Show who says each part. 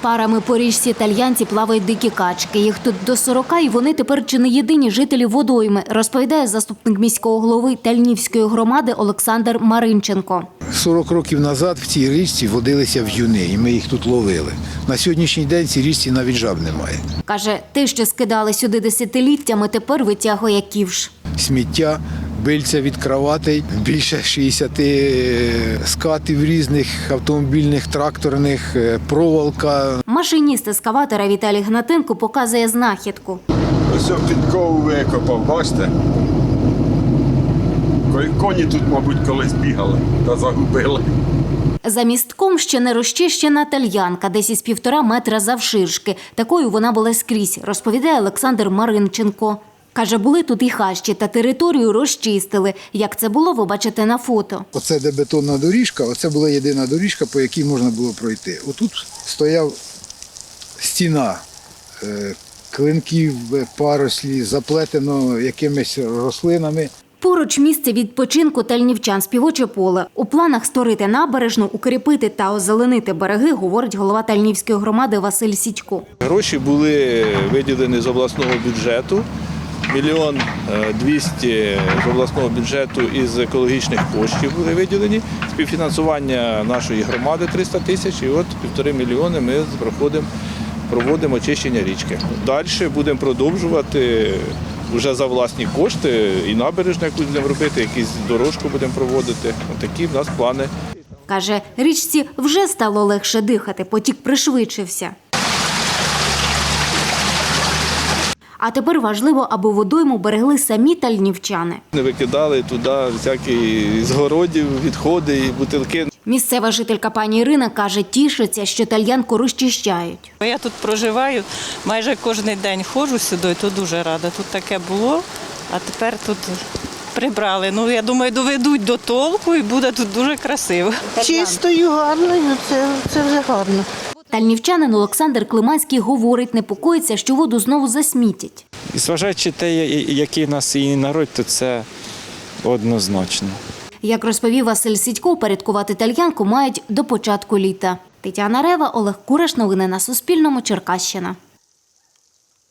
Speaker 1: Парами по річці Тальянці плавають дикі качки. Їх тут до 40, і вони тепер чи не єдині жителі водойми, розповідає заступник міського голови Тальнівської громади Олександр Маринченко.
Speaker 2: 40 років назад в цій річці водилися в'юни, і ми їх тут ловили. На сьогоднішній день в цій річці навіть жаб немає.
Speaker 1: Каже, те, що скидали сюди десятиліттями, тепер витягує ківш.
Speaker 2: Сміття, бильця від кроватей, більше 60 скатів різних, автомобільних, тракторних, проволока.
Speaker 1: Машиніст ескаватора Віталій Гнатенко показує знахідку.
Speaker 3: Ось підкову викопав, бачите? Коні тут, мабуть, колись бігали та загубили.
Speaker 1: За містком ще не розчищена тальянка, десь із 1,5 метра завширшки. Такою вона була скрізь, розповідає Олександр Маринченко. Каже, були тут і хащі, та територію розчистили. Як це було, ви бачите на фото.
Speaker 2: Оце де бетонна доріжка, оце була єдина доріжка, по якій можна було пройти. Отут стояв стіна клинків, парослі, заплетено якимись рослинами.
Speaker 1: Поруч місце відпочинку тальнівчан – співоче поле. У планах створити набережну, укріпити та озеленити береги, говорить голова Тальнівської громади Василь Сідько.
Speaker 4: Гроші були виділені з обласного бюджету. 1 200 000 з обласного бюджету із екологічних коштів були виділені. Співфінансування нашої громади 300 000 і от 1,5 мільйони ми проводимо очищення річки. Далі будемо продовжувати вже за власні кошти і набережну якусь будемо робити, якусь дорожку будемо проводити. Такі в нас плани.
Speaker 1: Каже, річці вже стало легше дихати, потік пришвидшився. А тепер важливо, аби водойму берегли самі тальнівчани.
Speaker 4: Не викидали туди всякі з городів, відходи і бутилки.
Speaker 1: Місцева жителька пані Ірина каже, тішиться, що тальянку розчищають.
Speaker 5: Я тут проживаю, майже кожен день ходжу сюди, то дуже рада. Тут таке було, а тепер тут прибрали. Ну, я думаю, доведуть до толку і буде тут дуже красиво.
Speaker 6: Чистою, гарною, це вже гарно.
Speaker 1: Тальнівчанин Олександр Климанський говорить, непокоїться, що воду знову засмітять.
Speaker 7: Зважаючи те, який у нас і народ, то це однозначно.
Speaker 1: Як розповів Василь Сідько, порядкувати тальянку мають до початку літа. Тетяна Рева, Олег Кураш. Новини на Суспільному. Черкащина.